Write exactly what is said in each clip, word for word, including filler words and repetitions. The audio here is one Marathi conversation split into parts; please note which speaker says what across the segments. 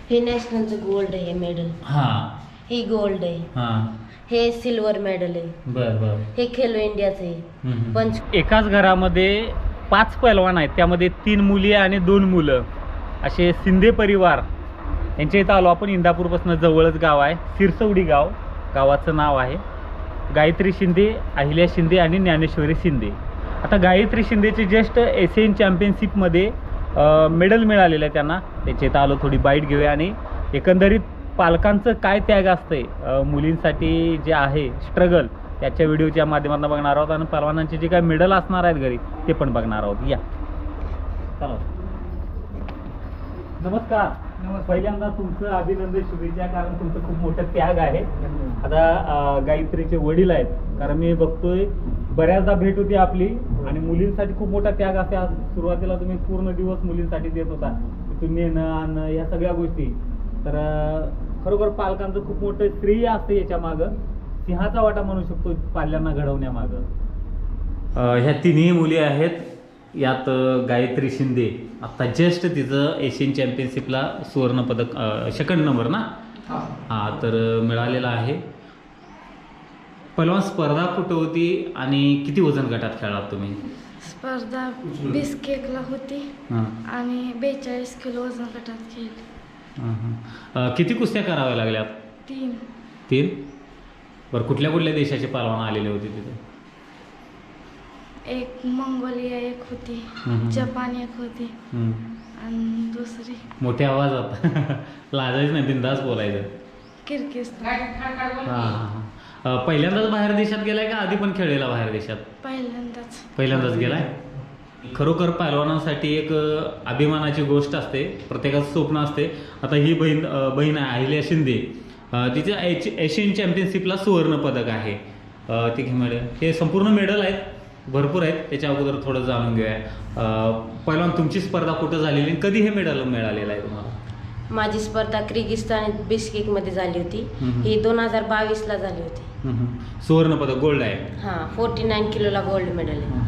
Speaker 1: हे नॅशनलचं गोल्ड आहे मेडल.
Speaker 2: हा
Speaker 1: ही गोल्ड आहे.
Speaker 2: हा
Speaker 1: हे सिल्वर मेडल आहे.
Speaker 2: बर बर.
Speaker 1: हे खेलो इंडियाचं आहे. पंच
Speaker 2: एकाच घरामध्ये पाच पैलवान आहेत, त्यामध्ये तीन मुली आणि दोन मुलं असे शिंदे परिवार यांच्या इथं आलो आपण. इंदापूरपासून जवळच गाव आहे सिरसवडी गाव, गावाचं नाव आहे. गायत्री शिंदे, अहिल्या शिंदे आणि ज्ञानेश्वरी शिंदे. आता गायत्री शिंदेचे जस्ट एशियन चॅम्पियनशिपमध्ये मेडल मिळालेलं आहे त्यांना. त्याच्या इथं आलो, थोडी बाईट घेऊया आणि एकंदरीत पालकांचं काय त्याग असतंय मुलींसाठी जे आहे स्ट्रगल, त्याच्या व्हिडिओच्या माध्यमातून बघणार आहोत आणि पहलवानांचे जे काय मेडल असणार आहेत घरी ते पण बघणार आहोत. या चला. नमस्कार. पहिल्यांदा तुमचं अभिनंदन, शुभेच्छा, कारण तुमचं खूप मोठं त्याग आहे. आता गायत्रीचे वडील आहेत, कारण मी बघतोय बऱ्याचदा भेट होती आपली आणि मुलींसाठी खूप मोठा त्याग असते. आज सुरुवातीला तुम्ही पूर्ण दिवस मुलींसाठी देत होता, तिथून नेणं आणणं ह्या सगळ्या गोष्टी. तर खरोखर पालकांचं खूप मोठं श्रेय असतं याच्या मागं, सिंहाचा वाटा म्हणू शकतो पाल्यांना घडवण्यामागं. ह्या तिन्ही मुली आहेत, यात गायत्री शिंदे आत्ता जस्ट तिचं एशियन चॅम्पियनशिपला सुवर्णपदक सेकंड नंबर ना हां तर मिळालेला आहे. पहिलवान स्पर्धा कुठं होती आणि किती वजन गटात खेळलात तुम्ही?
Speaker 3: स्पर्धा वीस केकला होती आणि बेचाळीस किलो वजन गटात खेळली.
Speaker 2: किती कुस्त्या कराव्या लागल्यात?
Speaker 3: तीन.
Speaker 2: तीन. बरं, कुठल्या कुठल्या देशाचे पहलवान आलेले होते तिथे?
Speaker 3: एक मंगोलिया एक होती, जपान एक होती आणि दुसरी
Speaker 2: मोठ्या आवाजात लाजायचं नाही, बिंदास बोलायचं.
Speaker 3: किर्गिस्तान.
Speaker 2: हां हां. पहिल्यांदाच बाहेर देशात गेलाय का आधी पण खेळलेला बाहेर देशात?
Speaker 3: पहिल्यांदाच.
Speaker 2: पहिल्यांदाच गेलाय. खरोखर पहलवानांसाठी एक अभिमानाची गोष्ट असते, प्रत्येकाचं स्वप्न असते. आता ही बहीण बहीण आहे अहिल्या शिंदे, तिचे एशियन चॅम्पियनशिपला सुवर्ण पदक आहे. ती मेडल, हे संपूर्ण मेडल आहेत, भरपूर आहेत. त्याच्या अगोदर थोडं जाणून घेऊया. पहिलवान तुमची स्पर्धा कुठं झालेली आणि कधी हे मेडल मिळालेलं आहे तुम्हाला?
Speaker 1: माझी स्पर्धा किर्गिस्तान बिस्केक मध्ये झाली होती. ही दोन हजार बावीस ला झाली होती.
Speaker 2: सुवर्ण पदक गोल्ड आहे.
Speaker 1: हा, फोर्टी नाईन किलोला गोल्ड मेडल आहे.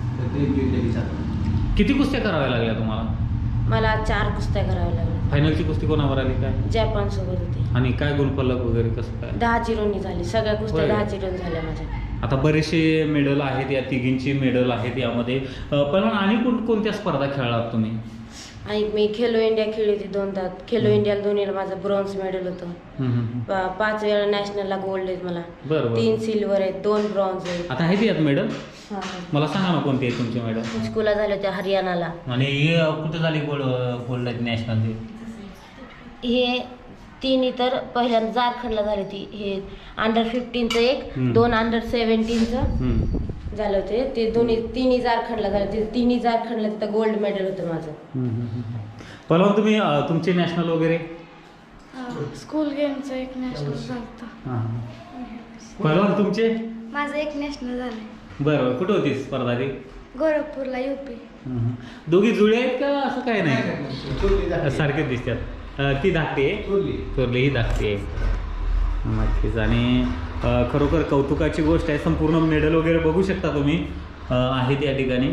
Speaker 2: किती कुस्त्या कराव्या लागल्या तुम्हाला?
Speaker 1: मला चार कुस्त्या कराव्या लागल्या.
Speaker 2: फायनलची कुस्ती कोणावर आली काय?
Speaker 1: जपान सोबत होती.
Speaker 2: आणि काय गुणफलक वगैरे कसं काय?
Speaker 1: दहा झिरोनी झाली, सगळ्या कुस्त्या दहा झिरोनी झाल्या माझ्या.
Speaker 2: आता बरेचसे मेडल आहेत, या तिघींची मेडल आहेत यामध्ये. पण आणि कोण कोणत्या स्पर्धा खेळलात तुम्ही?
Speaker 1: आणि मी खेलो इंडिया खेळली होती दोनदा. खेलो इंडियाला दोन्हीला माझं ब्रॉन्झ मेडल होतं. पाच वेळा नॅशनलला गोल्ड आहेत मला.
Speaker 2: बरं.
Speaker 1: तीन सिल्वर आहेत, दोन ब्रॉन्झ आहेत.
Speaker 2: आता आहेत यात मेडल? मला सांगा ना कोणते आहेत तुमचे मेडल?
Speaker 1: स्कूलला झाले होते हरियाणाला.
Speaker 2: आणि हे कुठे झाले गोल्ड गोल्ड आहेत नॅशनल?
Speaker 1: हे तिन्ही तर पहिल्यांदा झारखंडला झाली होती. हे अंडर फिफ्टीनचं एक, दोन अंडर सेव्हन्टीनचं झालं होते. ते दोन्ही तिन्ही झारखंडला झाले होते. तिन्ही झारखंडला तिथं गोल्ड मेडल होतं माझं.
Speaker 2: पहिला तुम्ही तुमचे नॅशनल वगैरे?
Speaker 3: स्कूल गेमचं एक नॅशनल झालं.
Speaker 2: पहिला तुमचे?
Speaker 3: माझं एक नॅशनल झालं.
Speaker 2: बरं, कुठं होती स्पर्धा ती?
Speaker 3: गोरखपूरला, युपी.
Speaker 2: दोघी जुळे आहेत का असं काय नाही? सारखेच दिसतात. ती धाकटी आहे, थोरली ही धाकटी आहे. नक्कीच. आणि खरोखर कौतुकाची गोष्ट आहे. संपूर्ण मेडल वगैरे बघू शकता तुम्ही आहेत या ठिकाणी.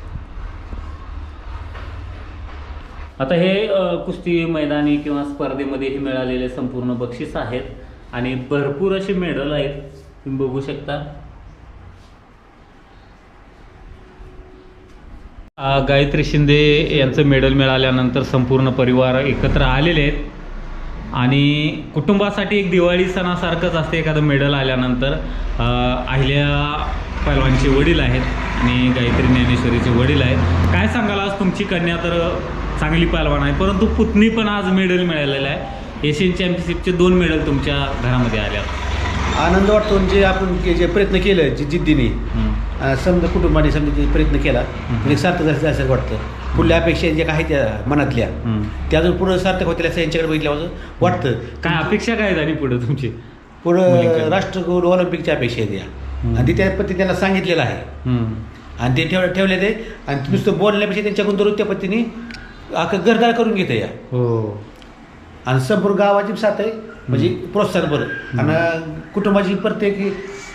Speaker 2: आता हे कुस्ती मैदानी किंवा स्पर्धेमध्ये मिळालेले संपूर्ण बक्षीस आहेत आणि भरपूर असे मेडल आहेत, तुम्ही बघू शकता. गायत्री शिंदे यांचं मेडल मिळाल्यानंतर संपूर्ण परिवार एकत्र आलेले आहेत आणि कुटुंबासाठी एक दिवाळी सणासारखंच असते एखादं मेडल आल्यानंतर. अहिल्या पैलवानचे वडील आहेत आणि गायत्री ज्ञानेश्वरीचे वडील आहेत. काय सांगाल, आज तुमची कन्या तर चांगली पैलवान आहे, परंतु पुतणी पण आज मेडल मिळालेलं आहे. एशियन चॅम्पियनशिपचे दोन मेडल तुमच्या घरामध्ये आल्या.
Speaker 4: आनंद वाटतो. जे आपण जे प्रयत्न केलं, जी जिद्दीने समजा कुटुंबाने समजा प्रयत्न केला म्हणजे सार्थक जायचं वाटतं. पुढल्या अपेक्षा ज्या काही त्या मनातल्या त्या अजून पुढं सार्थक होतील असं यांच्याकडे बघितल्यावर वाटतं.
Speaker 2: काय अपेक्षा काय झाली पुढे तुमची?
Speaker 4: पुढं राष्ट्रकुल ऑलिम्पिकच्या अपेक्षा आहेत या, आणि ती त्या पद्धतीने त्यांना सांगितलेलं आहे आणि ते ठेव ठेवले ते. आणि नुसतं बोलण्यापेक्षा त्यांच्याकडून दररोज त्या पद्धतीने अख्खं घरदार करून घेते या.
Speaker 2: हो.
Speaker 4: आणि संपूर्ण गावाची साथ आहे, म्हणजे प्रोत्साहन बरं. आणि कुटुंबाची प्रत्येक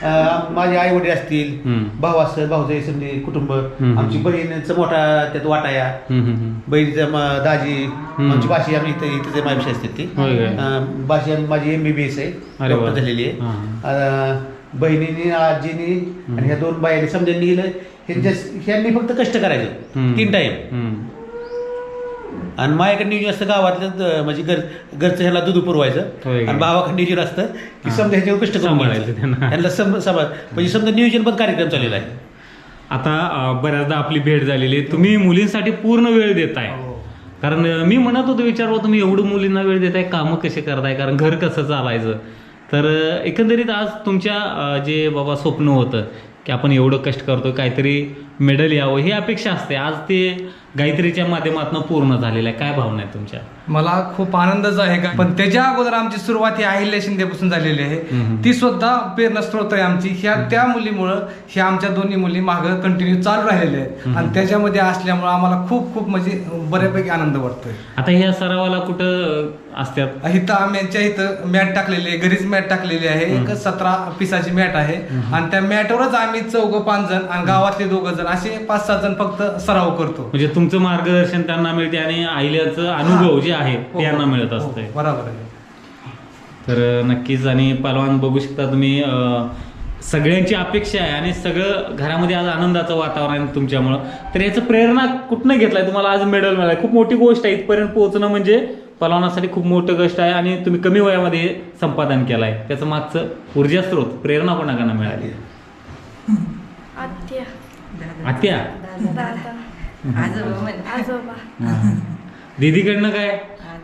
Speaker 4: अं, माझे आई वडील असतील,
Speaker 2: हम्म.
Speaker 4: भाऊ असतं, भाऊचे समजे कुटुंब,
Speaker 2: हम्म.
Speaker 4: आमची बहिणीचं मोठा त्यात वाटाया,
Speaker 2: हम्म, हम्म, हम्म.
Speaker 4: बहिणीचं म- दाजी, आमची भाषी आम्ही इथं इथं माझी असते ती
Speaker 2: होय काय?
Speaker 4: अं, भाषी आम्ही- माझी एम बी बी एस आहे,
Speaker 2: अरे वा.
Speaker 4: डॉक्टर झालेली आहे.
Speaker 2: हां.
Speaker 4: अं, बहिणीने आजीनी आणि ह्या दोन बायांनी समजायला गेलं ह्यांच्या ह्यांनी फक्त कष्ट करायचं
Speaker 2: हम्म.
Speaker 4: तीन टाइम.
Speaker 2: हम्म.
Speaker 4: आणि माझ्याकडे नियोजन असतं गावातलं द- म्हणजे घर घरचं ह्याला दूध पुरवायचं
Speaker 2: होय का?
Speaker 4: आणि भावाकडे नियोजन असतं की
Speaker 2: हां.
Speaker 4: समजा ह्याच्यावर कष्ट करून
Speaker 2: सांभाळायचं
Speaker 4: घ्यायचं.
Speaker 2: त्यांना.
Speaker 4: ह्यांना सम सांभाळ म्हणजे समजा नियोजन पण कार्यक्रम चाललेला आहे.
Speaker 2: आता अं, बऱ्याचदा आपली भेट झालेली आहे. तुम्ही मुलींसाठी पूर्ण वेळ देताय, कारण अं, मी म्हणत होतो विचारलं तुम्ही एवढं मुलींना वेळ देताय, कामं कसे करताय, कारण घर कसं चालायचं. तर अं, एकंदरीत आज तुमच्या अं, जे बाबा स्वप्न होतं की आपण एवढं कष्ट करतो, काहीतरी मेडल यावं ही अपेक्षा असते, आज ते गायत्रीच्या माध्यमातून पूर्ण झालेलं आहे. काय भावना आहे तुमच्या?
Speaker 5: मला खूप आनंदच आहे का, पण त्याच्या अगोदर आमची सुरुवात ही अहिल्या शिंदेपासून झालेली आहे.
Speaker 2: हम्म.
Speaker 5: ती सुद्धा प्रेरणास्त्रोत आहे आमची. ह्या त्या मुलीमुळं ह्या आमच्या दोन्ही मुली मागं कंटिन्यू चालू राहिलेल्या आहेत
Speaker 2: हम्म.
Speaker 5: आणि त्याच्यामध्ये असल्यामुळं आम्हाला खूप खूप म्हणजे बऱ्यापैकी आनंद वाटतोय.
Speaker 2: आता ह्या सरावाला कुठं अं, असतात?
Speaker 5: इथं आम्ही यांच्या इथं मॅट टाकलेली आहे, घरीच मॅट टाकलेली आहे. एक सतरा पिसाची मॅट आहे आणि त्या मॅटवरच आम्ही चौघ पाच जण आणि गावातले दोघं जण असे पाच सात जण फक्त सराव करतो.
Speaker 2: म्हणजे तुमचं मार्गदर्शन त्यांना मिळते आणि आईल्याचं अनुभव जे आहे ते यांना मिळत असते.
Speaker 5: हो, बरोबर आहे.
Speaker 2: तर नक्कीच. आणि पहलवान बघू शकता तुम्ही, अं, सगळ्यांची अपेक्षा आहे आणि सगळं घरामध्ये आज आनंदाचं वातावरण आहे तुमच्यामुळं. तर याचं प्रेरणा कुठनं घेतलाय? तुम्हाला आज मेडल मिळालं, खूप मोठी गोष्ट आहे. इथपर्यंत पोहोचणं म्हणजे पहलवानासाठी खूप मोठं कष्ट आहे आणि तुम्ही कमी वयामध्ये हे संपादन केलं आहे. त्याचं मागचं ऊर्जा स्रोत, प्रेरणा कोणाकडनं मिळाली?
Speaker 3: आत्या,
Speaker 2: आत्या,
Speaker 3: दादा, आजोबा.
Speaker 2: दीदीकडनं काय?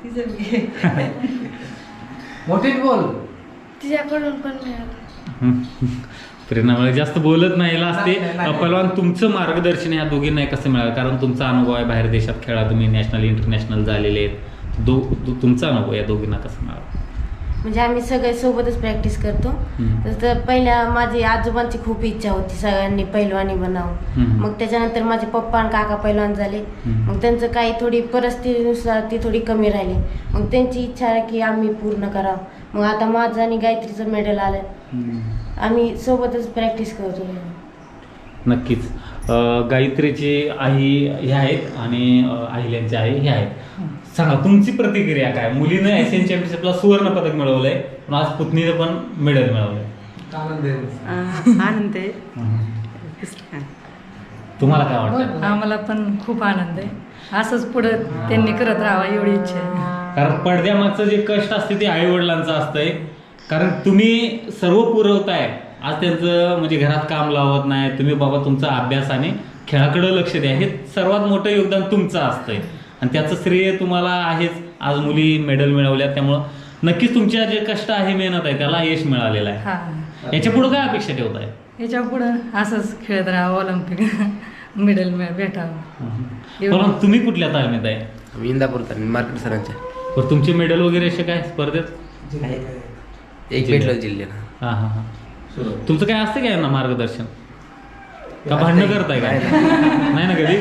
Speaker 5: मोठे बोल.
Speaker 3: तिच्याकडून पण मिळालं.
Speaker 2: प्रेरणा मिळाली. जास्त बोलत नाही असते.
Speaker 5: नाही, नाही.
Speaker 2: पहलवान तुमचं मार्गदर्शन ह्या दोघींना कसं मिळालं? कारण तुमचा अनुभव आहे, बाहेर देशात खेळा तुम्ही, नॅशनल इंटरनॅशनल झालेले आहेत. दो दो- तुमचा अनुभव या दोघींना कसं मिळाला?
Speaker 1: म्हणजे आम्ही सगळे सोबतच प्रॅक्टिस करतो.
Speaker 2: हम्म.
Speaker 1: तर पहिल्या माझी आजोबांची खूप इच्छा होती सगळ्यांनी पैलवानी बनावं.
Speaker 2: हम्म.
Speaker 1: मग त्याच्यानंतर माझे पप्पा आणि काका पैलवान झाले.
Speaker 2: हम्म.
Speaker 1: मग त्यांचं काही थोडी परिस्थितीनुसार ती थोडी कमी राहिली. मग त्यांची इच्छा आहे की आम्ही पूर्ण करावं. मग आता माझं आणि गायत्रीचं मेडल आलं. आम्ही सोबतच प्रॅक्टिस करतो.
Speaker 2: नक्कीच. अं, गायत्रीची आई हे आहेत आणि अं, अहिल्याची आई हे आहेत. सांगा तुमची प्रतिक्रिया काय? मुलीनं एशियन चॅम्पियनशिपला सुवर्ण पदक मिळवलंय, पण आज पुतणीनं पण मेडल मिळवलंय.
Speaker 5: आनंद आहे.
Speaker 6: आनंद आहे.
Speaker 2: तुम्हाला काय वाटतं?
Speaker 6: आम्हाला पण खूप आनंद आहे. असंच पुढं त्यांनी करत राहावं एवढी इच्छा आहे.
Speaker 2: कारण पडद्यामागचं जे कष्ट असते ते आई वडिलांचं असतंय. कारण तुम्ही सर्व पुरवताय, आज त्यांचं म्हणजे घरात काम लावत नाही तुम्ही, बाबा तुमचा अभ्यास आणि खेळाकडे लक्ष द्या, हे सर्वात मोठं योगदान तुमचं असतंय आणि त्याचं श्रेय तुम्हाला आहेच. आज मुली मेडल मिळवल्या, त्यामुळं नक्कीच तुमच्या जे कष्ट आहे, मेहनत आहे, त्याला यश मिळालेलं आहे.
Speaker 6: हा,
Speaker 2: याच्या पुढे काय अपेक्षा ठेवताय?
Speaker 6: याच्या पुढं असंच खेळत राहावं, ऑलिम्पिक मेडल भेटावं.
Speaker 2: पण तुम्ही कुठल्या तालमीत आहे?
Speaker 7: आम्ही इंदापूर तालमी मार्केट सरांच्या
Speaker 2: पण तुमचे मेडल वगैरे असे काय स्पर्धेत?
Speaker 7: एक भेटलं जिल्ह्याला.
Speaker 2: हां हां हां. तुमचं काय असतं काय यांना मार्गदर्शन? का भांडणं करताय काय? नाही ना कधी?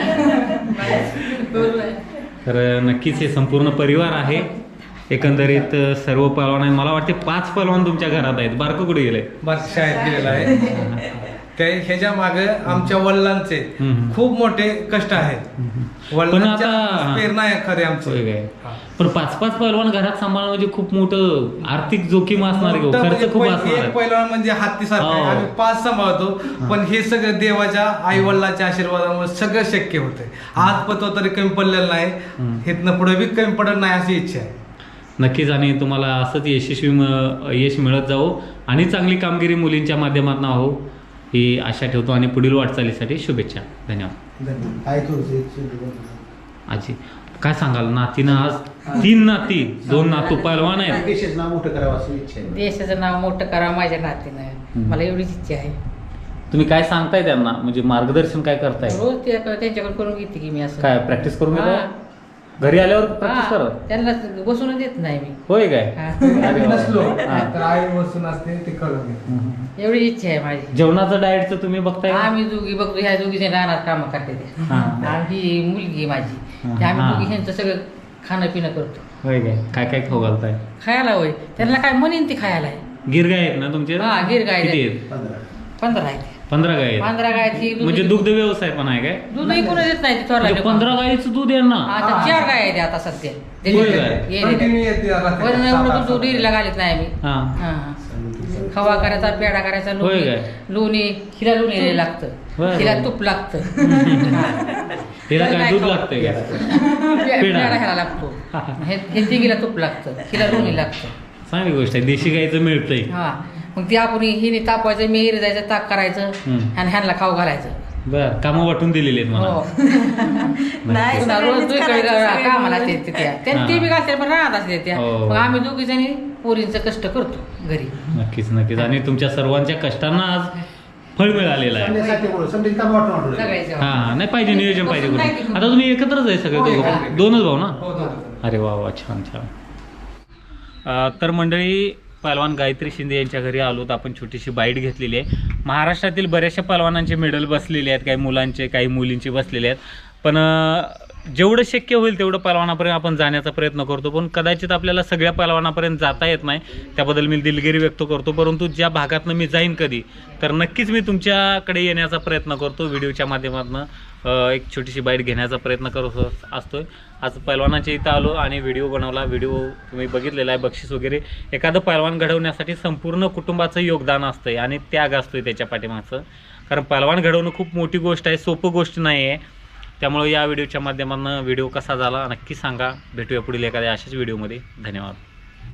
Speaker 2: तर नक्कीच हे संपूर्ण परिवार आहे. एकंदरीत सर्व पहलवान आहे. मला वाटते पाच पहलवान तुमच्या घरात आहेत. बारकं कुठे गेलंय?
Speaker 5: बस शाळेत गेलेला आहे. त्या ह्याच्या मागे आमच्या वडिलांचे
Speaker 2: हम्म.
Speaker 5: खूप मोठे कष्ट आहेत.
Speaker 2: पण
Speaker 5: वडिलांच्या
Speaker 2: आता-
Speaker 5: प्रेरणा आहे खरे
Speaker 2: होय
Speaker 5: आमचे.
Speaker 2: काय? पण पाच पाच पहलवान घरात सांभाळणं म्हणजे खूप मोठं आर्थिक जोखीम असणार आहे,
Speaker 5: मोठं म्हणजे
Speaker 2: खर्च खूप
Speaker 5: पै-
Speaker 2: असणार
Speaker 5: एक
Speaker 2: आहे.
Speaker 5: पहिलवान म्हणजे हत्तीसारखं आहे.
Speaker 2: हो.
Speaker 5: आम्ही पाच सांभाळतो, पण हे सगळं देवाच्या आई वडिलांच्या आशीर्वादामुळे सगळं शक्य होतंय. आज पतो तरी कमी पडलेलं नाही, इथनं पुढे बी कमी पडत नाही अशी इच्छा आहे.
Speaker 2: नक्कीच. आणि तुम्हाला असंच यशस्वी म- यश मिळत जावो आणि चांगली कामगिरी मुलींच्या माध्यमातून हो ही आशा ठेवतो आणि पुढील वाटचालीसाठी शुभेच्छा. धन्यवाद. आजी काय सांगाल? नातीनं आज तीन नाती, दोन नातू पहलवान आहेत.
Speaker 4: देशाचं नाव मोठं करावं अशी इच्छा आहे.
Speaker 8: देशाचं नाव मोठं करावं माझ्या नातीनं.
Speaker 2: हम्म.
Speaker 8: मला एवढीच इच्छा आहे.
Speaker 2: तुम्ही काय सांगताय त्यांना, म्हणजे मार्गदर्शन काय करताय?
Speaker 8: रोज त्या- त्यांच्याकडे करून घेते की मी असं.
Speaker 2: काय प्रॅक्टिस करून
Speaker 8: हा.
Speaker 2: घेताय? घरी आल्यावर प्रॅक्टिस
Speaker 8: हा,
Speaker 2: करा.
Speaker 8: त्यांना बसून देत नाही मी.
Speaker 2: होय काय?
Speaker 8: हा.
Speaker 2: अरे वा.
Speaker 5: नसलो
Speaker 2: हा.
Speaker 5: तर आई बसून असते ते करून घेते.
Speaker 8: एवढी इच्छा आहे माझी.
Speaker 2: जेवणाचं डाएटचं तुम्ही बघताय का?
Speaker 8: आम्ही दोघी बघतो, ह्या दोघी जण राहणार कामं करते ते.
Speaker 2: हा.
Speaker 8: आम्ही मुलगी आहे माझी,
Speaker 2: हा.
Speaker 8: ते आम्ही
Speaker 2: हा.
Speaker 8: दोघी ह्यांचं सगळं खाणं पिणं करतो.
Speaker 2: होय काय? काय काय खाऊ घालताय?
Speaker 8: खायला होय, त्यांना काय म्हणेन ते खायला आहे.
Speaker 9: गिर गाय आहेत ना तुमचे
Speaker 8: हा, गिर गाय
Speaker 9: किती
Speaker 8: आहेत.
Speaker 9: आहेत
Speaker 8: पंधरा आहेत
Speaker 9: पंधरा गाय आहेत
Speaker 8: पंधरा गायची
Speaker 9: म्हणजे दुग्ध व्यवसाय पण आहे काय
Speaker 8: दूध कोणी देत नाही थोडा
Speaker 9: म्हणजे पंधरा गायीचं दूध आहे ना
Speaker 8: आता चार गाय आहेत आता सध्या
Speaker 9: होय काय?
Speaker 5: Continue येते रात्री.
Speaker 8: वरून
Speaker 5: सात,
Speaker 8: एवढं
Speaker 5: आठ,
Speaker 8: दूध डेअरीला घालत नाही आम्ही
Speaker 9: हा
Speaker 8: हा. खवा करायचा पेढा करायचा
Speaker 9: होय
Speaker 8: लोणी
Speaker 9: काय?
Speaker 8: लोणी हिला लोणी लागतं
Speaker 9: होय.
Speaker 8: हिला तूप लागतं
Speaker 9: हिला काय दूध लागतंय का
Speaker 8: पे-
Speaker 9: पेढा.
Speaker 8: पेढा ह्याला लागतो हे हे तिघीला तूप लागतं हिला लोणी लागतं
Speaker 9: चांगली गोष्ट आहे देशी गायचं मिळतंय
Speaker 8: हा मग ती आपण हिने तापवायचं मेहरी जायचं ताक करायचं
Speaker 9: हम्म.
Speaker 8: आणि ह्यांना खाऊ घालायचं
Speaker 9: बर कामं वाटून दिलेली आहेत
Speaker 8: हो
Speaker 9: मला
Speaker 8: पुन्हा रोज दुई कडे कामाला असते ते त्या त्या- ते बी घालते पण राहत असते त्या
Speaker 9: हो.
Speaker 8: मग आम्ही दोघी जणी पोरींचं कष्ट करतो घरी
Speaker 9: नक्कीच नक्कीच आणि तुमच्या सर्वांच्या कष्टांना आज फळ मिळालेलं आहे
Speaker 4: समजेसाठी बोलू, समजेल काम वाटून वाटून.
Speaker 8: सगळ्याच्या
Speaker 9: हा हा नाही पाहिजे नियोजन पाहिजे
Speaker 8: नाही
Speaker 9: करून.
Speaker 8: की-
Speaker 9: आता तुम्ही एकत्रच आहे सगळे
Speaker 8: हो,
Speaker 9: दोघं
Speaker 8: हो.
Speaker 9: पण? दोनच भाऊ ना
Speaker 5: हो, दोघं.
Speaker 9: अरे वा वा छान छान अ, तर मंडळी पहलवान गायत्री शिंदे यांच्या घरी आलो तर आपण छोटीशी बाईट घेतलेली आहे. महाराष्ट्रातील बऱ्याचशा पहलवानांचे मेडल बसलेले आहेत काही मुलांचे काही मुलींचे बसलेले आहेत पण अ, जेवढं शक्य होईल तेवढं पहलवानापर्यंत आपण जाण्याचा प्रयत्न करतो पण कदाचित आपल्याला सगळ्या पहलवानापर्यंत जाता येत नाही त्याबद्दल मी दिलगिरी व्यक्त करतो परंतु ज्या भागातनं मी जाईन कधी तर नक्कीच मी तुमच्याकडे येण्याचा प्रयत्न करतो व्हिडिओच्या माध्यमातून एक छोटीशी बाईट घेण्याचा प्रयत्न करत असतोय. आज पहलवानाच्या इथं आलो आणि व्हिडिओ बनवला व्हिडिओ तुम्ही बघितलेला आहे बक्षीस वगैरे एखादं पहलवान घडवण्यासाठी संपूर्ण कुटुंबाचं योगदान असतंय आणि त्याग असतोय त्याच्या पाठीमागचं कारण पहलवान घडवणं खूप मोठी गोष्ट आहे सोपं गोष्ट नाही आहे त्यामुळे या व्हिडिओच्या माध्यमातून व्हिडिओ कसा झाला नक्की सांगा भेटूया पुढील एखाद्या अशाच व्हिडिओमध्ये धन्यवाद.